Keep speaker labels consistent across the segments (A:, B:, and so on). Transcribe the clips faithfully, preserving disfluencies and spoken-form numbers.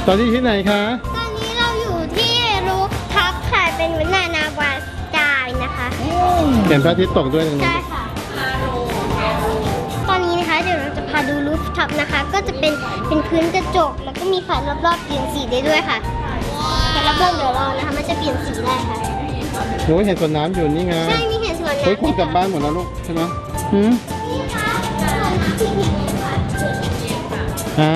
A: ตอนนี้ที่ไหนคะ
B: ตอนนี้เราอยู่ที่รูฟท็อปค่ะเป็นวานานาวาสกายนะคะ
A: เห็นพระอาทิตย์ตกด้วยตรงนี้
B: ใช่ค่ะตอนนี้นะคะเดี๋ยวเราจะพาดูรูฟท็อปนะคะก็จะเป็นเป็นพื้นกระจกแล้วก็มีไฟรอบๆเปลี่ยนสีได้ด้วยค่ะแต่รอบๆเดี๋ยวรอนะคะมันจะเปลี่ยนสีได้ค่ะ
A: หนูเห็นสวนน้ำอยู่นี่ไง
B: ใช่มีเห็นสวนน้ำ
A: เฮ้ยคงกลับบ้านหมดแล้วลูกใช่ไหมหืมอ่า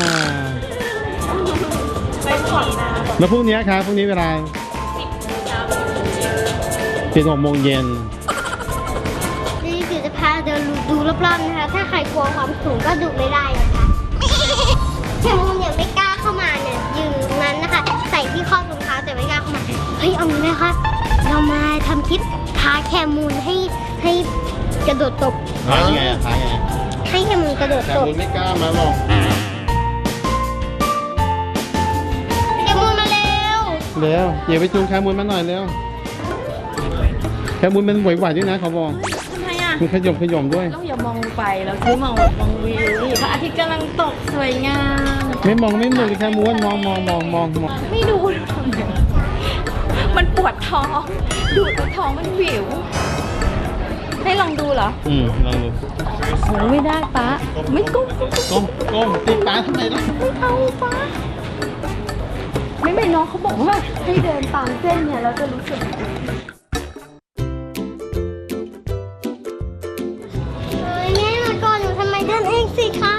A: แล้วพรุ่งนี้ครับพรุ่งนี้เวลาเป็นหกโมงเย็น
B: นี่คือจะพาเดินดูรอบๆนะคะถ้าใครกลัวความสูงก็ดูไม่ได้นะคะแคมูนเนี่ยไม่กล้าเข้ามาเนี่ยยืนนั้นนะคะใส่ที่ข้อรองเท้าแต่ไม่กล้าเข้ามาเฮ้ยเอางี้นะคะเรามาทำคลิปพาแคมูนให้ให้กระโดดตบ
A: ท้ายไงท้ายไง
B: ให้แคมูนกระโดดตบ
A: แคมูนไม่กล้ามาหรอก
B: แคมูนมาเร็ว
A: เร็วอย่าไปจูงแคมูนมาหน่อยเร็วแคมูนมันไหวๆด้วยนะเขาบอก
C: ทำไมอ่ะ
A: มันขยมขยมด้วย
C: เราอย่ามองไปเราคือมองมองวิวพระอาทิตย์กำลังตกสวยงาม
A: ไม่มองไม่มองแคมูนมองมองมองมองมอง
C: ไม่ดูมันปวดท้องดูดท้องมันวิวให้ลองดูเหรอ
A: อืมลองดู
C: โอ้ไม่ได้ป๊าไม่ก้ม
A: ก้มก้มตีป้าทำไมล่ะ
C: ไม่เอาป๊าไม่ไม่น้องเขาบอกว่าให้เดินตามเส้นเนี่ยเราจะรู้สึก
B: เฮ้ยแม่มาก่อนหนูทำไมเดินเองสิคะ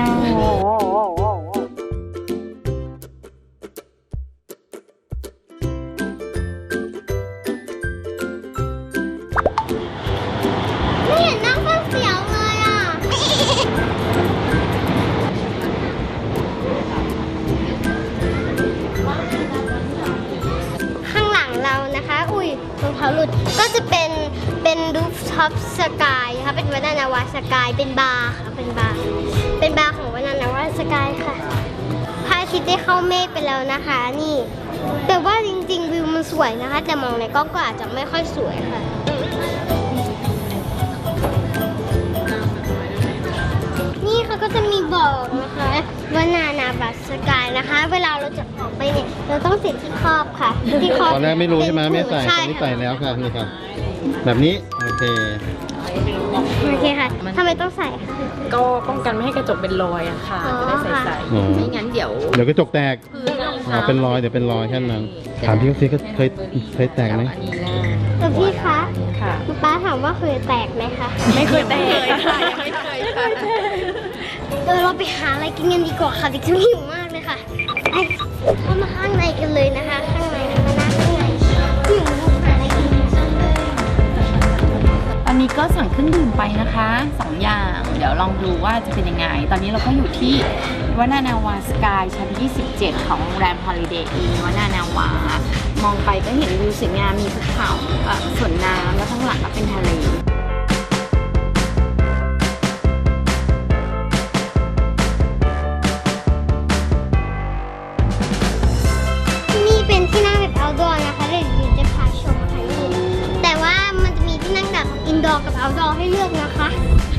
B: ก็จะเป็นเป็นรูฟท็อปสกายค่ะเป็นวานานาวาสกายเป็นบาร์ค่ะเป็นบาร์เป็นบาร์ของวานานาวาสกายค่ะพระอาทิตย์ได้เข้าเมฆไปแล้วนะคะนี่แต่ว่าจริงๆวิวมันสวยนะคะแต่มองในกล้องก็อาจจะไม่ค่อยสวยค่ะนี่เขาก็จะมีบอกนะคะวานานาวาสกายนะคะเวลาเราจะออกไปเนี่ยเราต้องติดที่ครอบค่ะที่ครอบ
A: ตอนแรกไม่รู้ใช่ไหมไม่ใส่ตอนนี้ใส่แล้วค่ะนี่ครับแบบนี้โอเค
B: โอเคค่ะทำไมต้องใส่คะ
C: ก็ป้องกันไม่ให้กระจกเป็นรอยอะค่ะจะได้ใส่ๆไม่งั้นเดี๋ยว
A: เดี๋ยวกระจกแตกอ๋อเป็นรอยเดี๋ยวเป็นรอยแค่นั้นถามพี่เขาสิก็เคยเคยแตกไหม
B: แต่พี่คะ
C: ค่ะ
B: ป้าถามว่าเคยแตกไหมคะ
C: ไม่เคยแตกค่ะไม่เคยค่ะ
B: เดี๋ยวเราไปหาอะไรกินกันดีกว่าค่ะดิฉันหิวมากเลยค่ะไปเข้ามาข้างในกันเลยนะคะข้างในมานั่งข้างในหิวหาอะไรกิน
C: ตอนนี้ก็สั่งเครื่องดื่มไปนะคะสองอย่างเดี๋ยวลองดูว่าจะเป็นยังไงตอนนี้เราก็อยู่ที่วานานาวาสกายชั้นยี่สิบเจ็ดของโรงแรม Holiday Inn วานานาวามองไปก็เห็นวิวสวยงามมีภูเขาสวนน้ำแล้วข้างหลังก็เป็นทะเล
B: นี่เป็นที่นั่งแบบ outdoor นะคะเดี๋ยวจะพาชมค่ะนี่แต่ว่ามันจะมีที่นั่งแบบ indoor กับ outdoor ให้เลือกนะคะ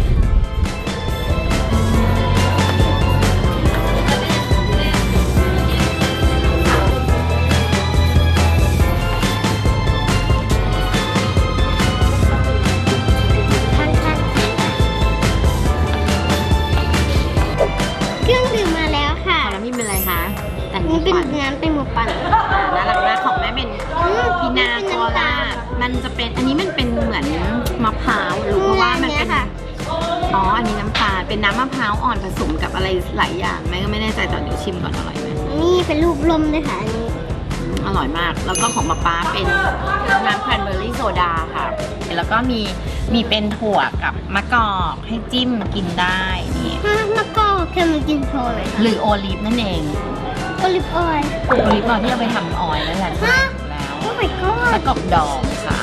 B: นี่เป็นน้ำเป็นหมูปั่น
C: น่ารักมากของแม่เป็นพินาโคล่ามันจะเป็นอันนี้มันเป็นเหมือนมะพร้าวหรือเพราะว่ามันเป็นอ๋ออันนี้น้ำตาลเป็นน้ำมะพร้าวอ่อนผสมกับอะไรหลายอย่างแม่ก็ไม่แน่ใจตอนเดี๋ยวชิมก่อนอร่อยไหม
B: นี่เป็นรูปลมเลยค่ะอันนี้
C: อร่อยมากแล้วก็ของป๊าป๊าเป็นน้ำแครนเบอร์รี่โซดาค่ะแล้วก็มีมีเป็นถั่วกับมะกอกให้จิ้มกินได้นี่
B: มะกอกคือมันกินโชว์เลย
C: หรือโอลิฟนั่นเอง
B: โอลิฟออยล์
C: โอลิฟออยล์ที่เอาไปทำออยล์นั่นแหละแล้ว
B: โอ้ my god
C: มะกอกดองค่ะ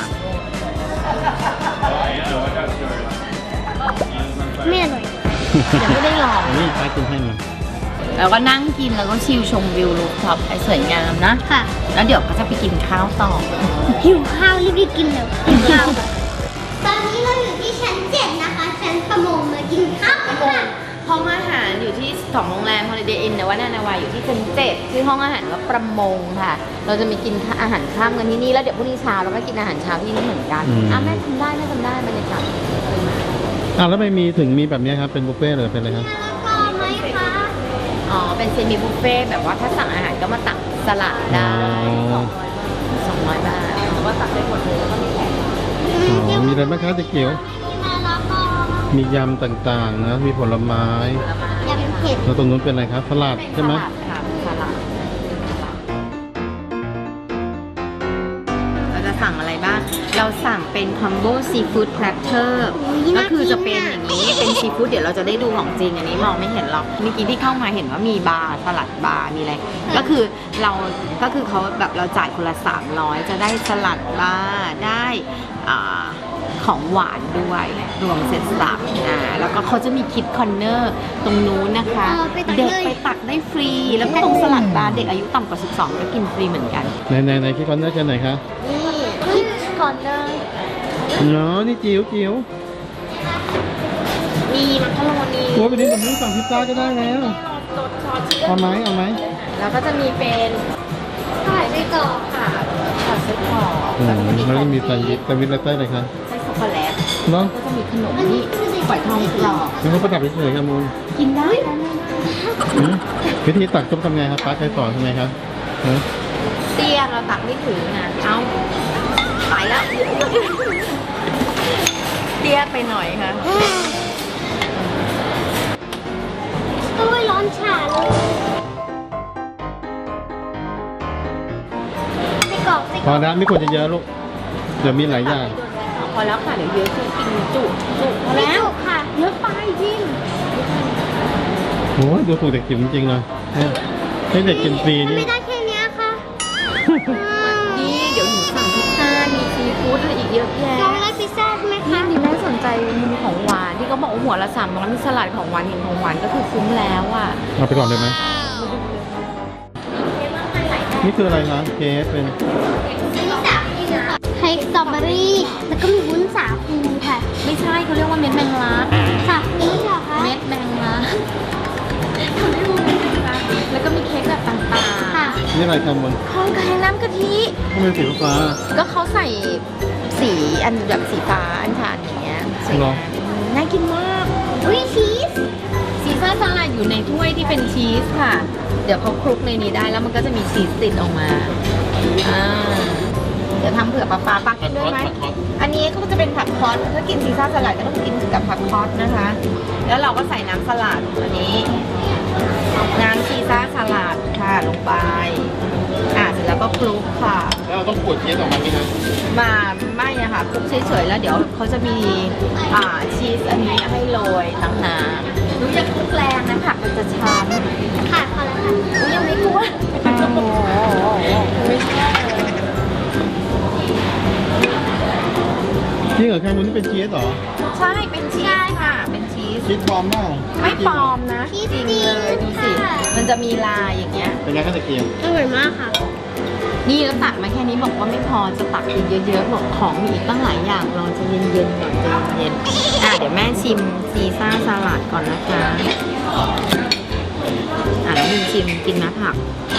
B: ไม่อร่อย
C: ยังไม่ได้ลอง
A: นี่ใครกินให้มา
C: แล้วก็นั่งกินแล้วก็ชิลชมวิวรูฟท็อปไอ้สวยงามนะ
B: ค่ะ
C: แล้วเดี๋ยวก็จะไปกินข้าวต่อ
B: หิวข้าวรีบๆกินเลยหิวข้าวตอนนี้เราอยู่ที่ชั้นเจ็ดนะคะชั้นประมงมากินข้าวกันค่ะ
C: ห้องอาหารอยู่ที่ของโรงแรม Holiday Inn แต่ว่านานาาวาอยู่ที่ชั้นเจ็ดชื่อห้องอาหารว่าประมงค่ะ เราจะมีกินอาหารค่ำกันที่นี่แล้วเดี๋ยวพรุ่งนี้เช้าเราก็กินอาหารเช้าที่นี่เหมือนกันอ่ะแม่ทำได้แม่ทำได้บรรยากาศ
A: อ่ะแล้วไม่มีถึงมีแบบนี้ครับเป็นบุฟเฟ่ต์หรือเป็นอะไรครับ
B: พอไหมคะ
C: อ๋อเป็นเซมิบุฟเฟ่ต์แบบว่าถ้าสั่งอาหารก็มาตักสลัดได้สองร้อยบาทเพราะว่าตักได้หมดเลยแล้วก็มีแขก
A: อ๋อมีอะไรบ้างครับเจ๊เกียว
B: มาแล้วก็
A: มียำต่างๆนะมีผลไม้
B: ยำเผ็ด
A: แล้วตรงนู้นเป็นอะไรครับสลัดใช่ไหม
C: สลัดค่ะสลัดเราจะสั่งอะไรบ้างเราสั่งเป็นคอมโบซีฟู้ดแพลตเตอร์ก็คือจะเป็นอย่างนี้เป็นซีฟู้ดเดี๋ยวเราจะได้ดูของจริงอันนี้มองไม่เห็นหรอกเมื่อกี้ที่เข้ามาเห็นว่ามีบาร์สลัดบาร์มีอะไรก็คือเราก็คือเขาแบบเราจ่ายคนละสามร้อยจะได้สลัดบาร์ได้อ่าของหวานด้วยรวมเซ็ตสับอ่าแล้วก็เขาจะมีคิดคอนเนอร์ตรงนู้นนะคะเด็กไปตักได้ฟรี แล้วก็ตรงสลัดบาร์เด็กอายุต่ำกว่าสิบสองก็กินฟรีเหมือนกัน
A: ในในในที่คอนเนอร์จะไหนคะ
C: นี่คิดคอนเนอร์
A: เนาะนี่จิ๋วจิ๋ว
C: มีมักกะโรนี
A: โอ้ยไปนี้แบบนี้สั่งพิซซ่าก็ได้แล้ว
C: รสซอสชิคเก้
A: เอา
C: น
A: ไหมเอาไหม
C: แล้วก็จะมีเป็นไข่ไส้กรอกค่ะผัดไส้กรอก
A: อืม
C: แล้วก็จะมี
A: แล้วก็มีแซนด์วิชแซนด์วิชอะไรใต้เลยครับ
C: ไส้ช็อกโกแลต
A: เนาะ
C: ก็จะมีขนมนี่ฝอยทองกรอบ
A: นี่เขาประดับเฉยๆครับมูล
C: กินได้นะ
A: อืมวิธีตักต้มทำไงครับป้าใครสอนทำไงครับฮะ
C: เตี้ยเราตักไม่ถึงนะเอาไปแล้วเตี้ยไปหน่อยค่ะ
B: โอ้ยร้อนฉ่าเลยไส้กรอกไส้
A: พ
B: กร
A: อ
B: อก
A: แล้วไม่ควรจะเยอะลูกเดี๋ยวมีหลายอย่าง
C: พอแล้วค่ะเดี๋ยวเยอะคือกินจุจุพอ
B: ไม่
C: แล้ว
B: จุกค่ะ
C: เยอะไปจิน
A: โอ้ยดูถูกเด็กจิ๋วจริงๆเลยเนี่ยให้เด็กกินฟรีนี่
B: ไม่ได้แค่เนี้ยค่ะ
C: นี่เดี๋ยวหนูสั่งพิซซ่ามีซีฟู้ดอะไรอีกเยอะแยะ
B: น้องได้พิซซ่าใช่ไหม
C: นี่
B: คะ
C: ดีแม่สนใจมุมของหวานที่เขาบอกว่าหัวละสามร้อยมีสลัดของหวานเห็นของหวานก็คือคุ้มแล้วอ่ะ
A: เอาไปก่อนเลยไหมนี่คืออะไรคะเค้กเป็น
B: เค้กสตรอเบอรี่แล้วก็มีวุ้นสาคูค่ะ
C: ไม่ใช่เขาเรียกว่าเม็ดแมงลัก
B: ค่ะนี่เหรอคะ
C: เม็ดแมงลักเขาเรียกว่าเม็ดแมงลักแล้วก็มีเค้กแบบต่าง
B: ค่ะ
A: นี่อะไรครับมัน
C: ๆของไข่น้ำกะทิ
A: ทำไมสีฟ้า
C: ก็เขาใส่สีอันแบบสีฟ้าอันชานอย่างเงี้ยสวยงามน่ากินมาก
B: วิชีส
C: ซีซ่าสลัดอยู่ในถ้วยที่เป็นชีสค่ะ เดี๋ยวเขาคลุกในนี้ได้แล้วมันก็จะมีชีสติดออกมาอ่าเดี๋ยวทำเผื่อปลาปลาปักกินด้วยไหมอันนี้ก็จะเป็นผักคอสถ้ากินซีซ่าสลัดก็ต้องกินกับผักคอสนะคะ แล้วเราก็ใส่น้ำสลัดอันนี้น้ำซีซ่าสลัดค่ะลงไปอ่าเสร็จแล้วก็คลุกค่ะ
A: แล้วเราต้องขูดเค้กออกมาไหมครับ
C: มาไม่อะค่ะคลุกเฉยๆแล้วเดี๋ยวเขาจะมีอ่าชีสอันนี้ให้โรยต่างหากหนูจะคลุกแรงนะผักมันจะช้ำ
B: ค่ะพอแล้วค่ะ
C: อุ๊ยยังไม่กลัวไม่ชอบเลย
A: จริงเหรอแคมูลนี่เป็นชีสเหรอ
C: ใช่ เป็นชีสค่ะ เป็นชีส
A: ชีสปลอมเปล่า
C: ไม่ปลอมนะจริงเลยดูสิ มันจะมีลายอย่างเงี้ย
A: เป็นไงครับตะเกียบ
B: อร่อยมากค่ะ
C: นี่แล้วตักมาแค่นี้บอกว่าไม่พอจะตักอีกเยอะๆบอกของมีอีกตั้งหลายอย่างรอจะเย็นๆก่อนใจเย็นๆอ่ะเดี๋ยวแม่ชิมซีซ่าสลัดก่อนนะคะอ่ะแล้วมีชิมกินนะผัก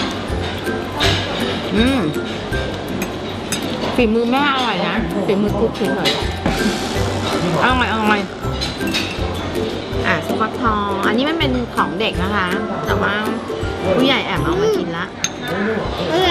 C: อืมฝีมือแม่อร่อยนะฝีมือกุ๊กเฉยๆอร่อยอร่อยอ่ะสควอตทองอันนี้มันเป็นของเด็กนะคะ แต่ว่าผู้ใหญ่แอบเอามากินละ
B: อร่อย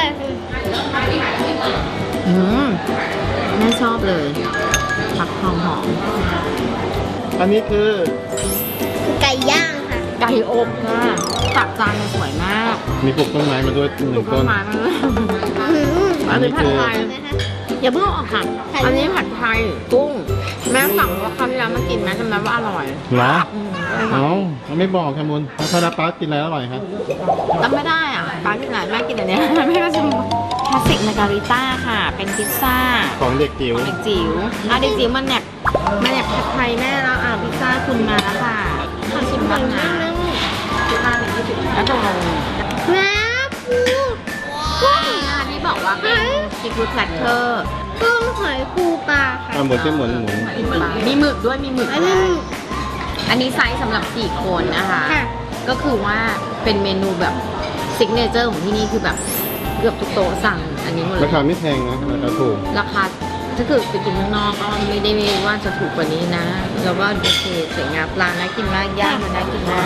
C: อืมแม่ชอบเลยผักทองหอม
A: อันนี้คือ
B: ไก่ย่างค่ะ
C: ไก่อบค่ะตักจานมันสวยมาก
A: มีปลูกต้นไม้มาด้วยห
C: ลู
A: นึ่
C: ก
A: ง
C: ต้
A: ต้
C: น
A: น
C: ไม้มาเลย
A: อั
C: อัน
A: นนี้
C: นี้ผัด
A: คือ
C: ไทย
B: นะคะ
C: อย่าเพิ่งเอาออกค่ะ อันนี้ผัดไทยกุ้ง แม่สั่งว่าคราวที่แล้วมากินแม่จำได้ว่าอร่อย
A: เหรอ
C: อืม
A: เอ้าเราไม่บอกแคมูลถ้าราป้ากินอะไรอร่อยครับ
C: จำไม่ได้อ่ะป้ากินอะไรแม่กินอันเนี้ยแม่ก็ชิมคลาสสิกมาการิต้าค่ะ เป็นพิซซ่า
A: ของเด็กจิ๋ว
C: เด็กจิ๋วอ่ะเด็กจิ๋วมันแหนบมันแหนบผัดไทยแม่แล้วอ่ะพิซซ่าคุณมาแล้วค่ะขอชิมบ้างนะพิซซ่าหนึ่งยี่สิบแล้วตรงลง
B: น้ำปูกุ้ง
C: อ่าที่บอกว่าเป็นซีฟู้ดแพลตเตอร์
B: กุ้งหอยปูปลาค่ะ
A: อ่าหมุนเส้นหมุนหมุน
C: มีหมึกด้วยมีหมึก
B: อัน
C: ด้
B: นี้
C: วยอันนี้ไซส์สำหรับสี่คนนะคะ
B: ค่ะ
C: ก็คือว่าเป็นเมนูแบบซิกเนเจอร์ของที่นี่คือแบบเกือบทุกโต๊ะสั่งอันนี้หมดเล
A: ราย คาไม่แพงนะราคาถูก
C: ราคาถ้าเกิดไปกินข้างนอกก็ไม่ได้ว่าจะถูกกว่านี้นะ แล้วก็โอเคสวยงามปลาน่ากินมากย่างมันน่ากินมาก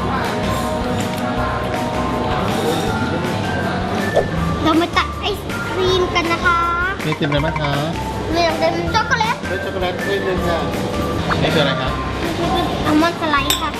B: เรามาตัดไอศครีมกันนะคะ
A: นี่กินอะไรบ้างคะ
B: เรื่องเป็นช็อกโกแลต
A: ด้วยช็อกโกแลตด้วยนึงค่ะนี่คืออะไรครับ
B: อัลมอนด์สไลด์ค่ะ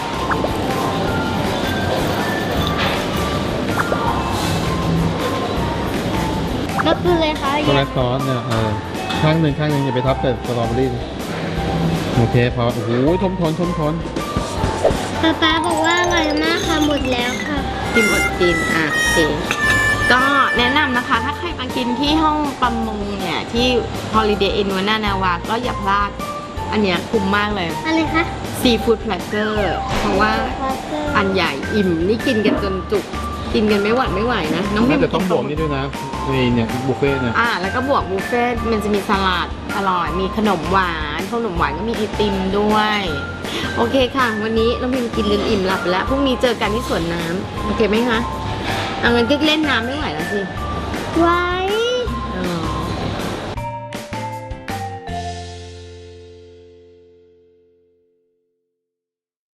B: ก็คือเลยค่ะ
A: ช็อกโกแลตซอสเนี่ยเออข้างหนึ่งข้างหนึ่งอย่าไปทับแต่สตรอเบอรี่นะโอเคพอโอ้โหทมทนทมทน
B: ป๊าป๊าบอกว่าอร่อยมากค่ะหมดแล้วค่ะ
C: กินอดกินอ่ะโอเคก็แนะนำนะคะ ถ้าใครมากินที่ห้องประมงเนี่ย ที่ Holiday Inn วานานาวาก็อย่าพลาด อันเนี้ยคุ้มมากเลย
B: อะไรคะ
C: ซีฟู้ดแพลตเตอร์เพราะว่าอันใหญ่อิ่ม นี่กินกันจนจุก กินกันไม่หวัดไม่ไหวนะ น้องพิ
A: น่าม จะต้องบวก
C: กิ
A: นี่ด้วยนะนี่เนี่ยบุฟเฟ่ต์เนี่ย
C: อ่าแล้วก็บวกบุฟเฟ่ต์มันจะมีสลัดอร่อย มีขนมหวานขนมหวานก็มีไอติมด้วย โอเคค่ะ วันนี้น้องพิมกินเล่นอิ่มหลับไปแล้วพรุ่งนี้เจอกันที่สวนน้ำโอเคไหมคะเอางั้นก็เล่นน้ำไม่ไหวแล้วสิ
B: ไว้